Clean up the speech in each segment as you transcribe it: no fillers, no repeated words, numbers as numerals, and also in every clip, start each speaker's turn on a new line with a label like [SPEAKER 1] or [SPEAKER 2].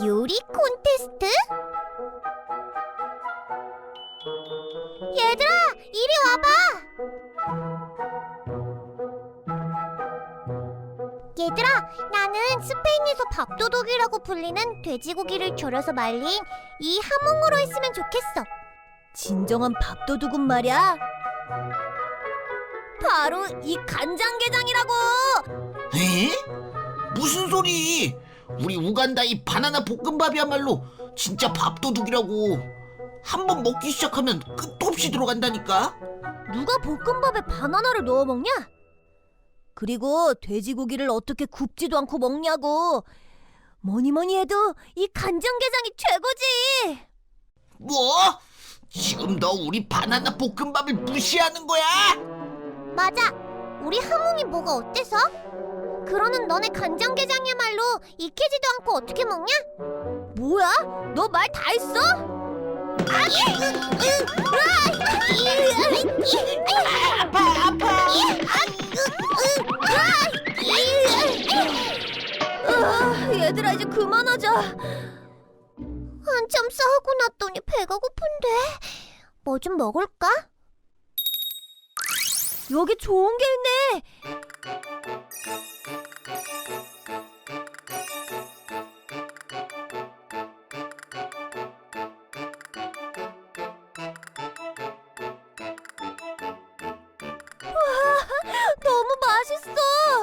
[SPEAKER 1] 요리 콘테스트? 얘들아, 이리 와봐! 얘들아, 나는 스페인에서 밥도둑이라고 불리는 돼지고기를 졸여서 말린 이 하몽으로 했으면 좋겠어.
[SPEAKER 2] 진정한 밥도둑은 말이야, 바로 이 간장게장이라고!
[SPEAKER 3] 에? 무슨 소리? 우리 우간다 이 바나나 볶음밥이야말로 진짜 밥도둑이라고. 한번 먹기 시작하면 끝도 없이 들어간다니까.
[SPEAKER 2] 누가 볶음밥에 바나나를 넣어 먹냐? 그리고 돼지고기를 어떻게 굽지도 않고 먹냐고. 뭐니 해도 이 간장게장이 최고지.
[SPEAKER 3] 뭐? 지금 너 우리 바나나 볶음밥을 무시하는 거야?
[SPEAKER 1] 맞아! 우리 하몽이 뭐가 어때서? 그러는 너네 간장게장이야말로 익히지도 않고 어떻게 먹냐?
[SPEAKER 2] 뭐야? 너 말 다 했어?
[SPEAKER 3] 아파.
[SPEAKER 2] 얘들아, 이제 그만하자.
[SPEAKER 1] 한참 싸우고 났더니 배가 고픈데 뭐 좀 먹을까?
[SPEAKER 2] 여기 좋은 게 있네. 너무 맛있어.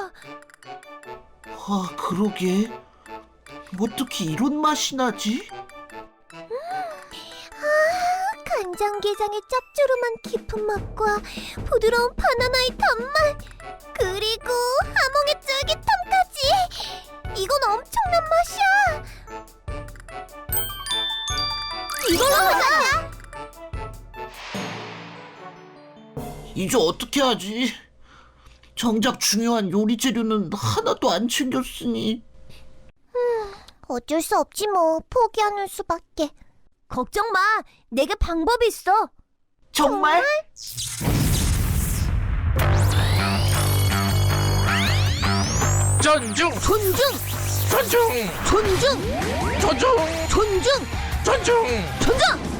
[SPEAKER 3] 아, 그러게. 어떻게 이런 맛이 나지?
[SPEAKER 1] 간장게장의 짭조름한 깊은 맛과 부드러운 바나나의 단맛, 그리고 하몽의 쫄깃함까지. 이건 엄청난 맛이야. 이걸로 하자.
[SPEAKER 3] 이제 어떻게 하지? 정작 중요한 요리 재료는 하나도 안 챙겼으니.
[SPEAKER 1] 어쩔 수 없지 뭐. 포기하는 수밖에.
[SPEAKER 2] 걱정 마. 내게 방법이 있어.
[SPEAKER 3] 정말?
[SPEAKER 4] 존중!
[SPEAKER 2] 존중!
[SPEAKER 4] 존중!
[SPEAKER 2] 존중!
[SPEAKER 4] 존중!
[SPEAKER 2] 존중!
[SPEAKER 4] 존중!
[SPEAKER 2] 존중!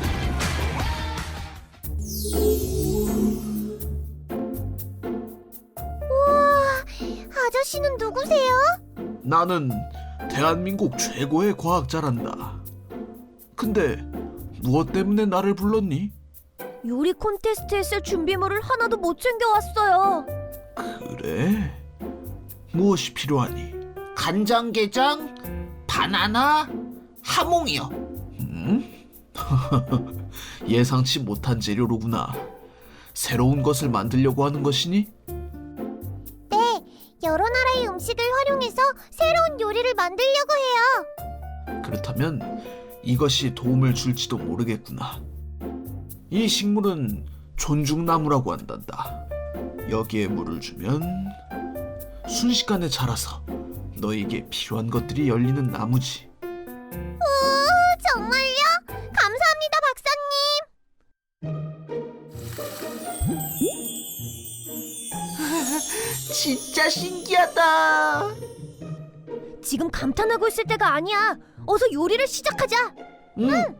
[SPEAKER 1] 우와, 아저씨는 누구세요?
[SPEAKER 5] 나는 대한민국 최고의 과학자란다. 근데 무엇 때문에 나를 불렀니?
[SPEAKER 2] 요리 콘테스트에 쓸 준비물을 하나도 못 챙겨왔어요.
[SPEAKER 5] 그래? 무엇이 필요하니?
[SPEAKER 3] 간장게장, 바나나, 하몽이요.
[SPEAKER 5] 예상치 못한 재료로구나. 새로운 것을 만들려고 하는 것이니?
[SPEAKER 1] 네, 여러 나라의 음식을 활용해서 새로운 요리를 만들려고 해요.
[SPEAKER 5] 그렇다면 이것이 도움을 줄지도 모르겠구나. 이 식물은 존중나무라고 한단다. 여기에 물을 주면 순식간에 자라서 너에게 필요한 것들이 열리는 나무지.
[SPEAKER 1] 정말요? 감사합니다, 박사님.
[SPEAKER 3] 진짜 신기하다.
[SPEAKER 2] 지금 감탄하고 있을 때가 아니야. 어서 요리를 시작하자.
[SPEAKER 3] 응.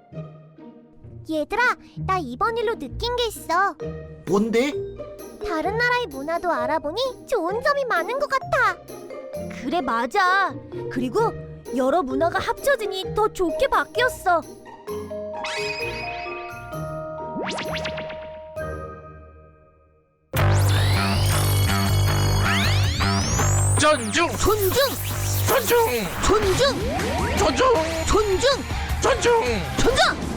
[SPEAKER 1] 얘들아, 나 이번 일로 느낀 게 있어.
[SPEAKER 3] 뭔데?
[SPEAKER 1] 다른 나라의 문화도 알아보니 좋은 점이 많은 것 같아.
[SPEAKER 2] 그래, 맞아. 그리고 여러 문화가 합쳐지니 더 좋게 바뀌었어.
[SPEAKER 4] 존중!
[SPEAKER 2] 존중!
[SPEAKER 4] 존중!
[SPEAKER 2] 존중!
[SPEAKER 4] 존중!
[SPEAKER 2] 존중!
[SPEAKER 4] 존중!
[SPEAKER 2] 존중!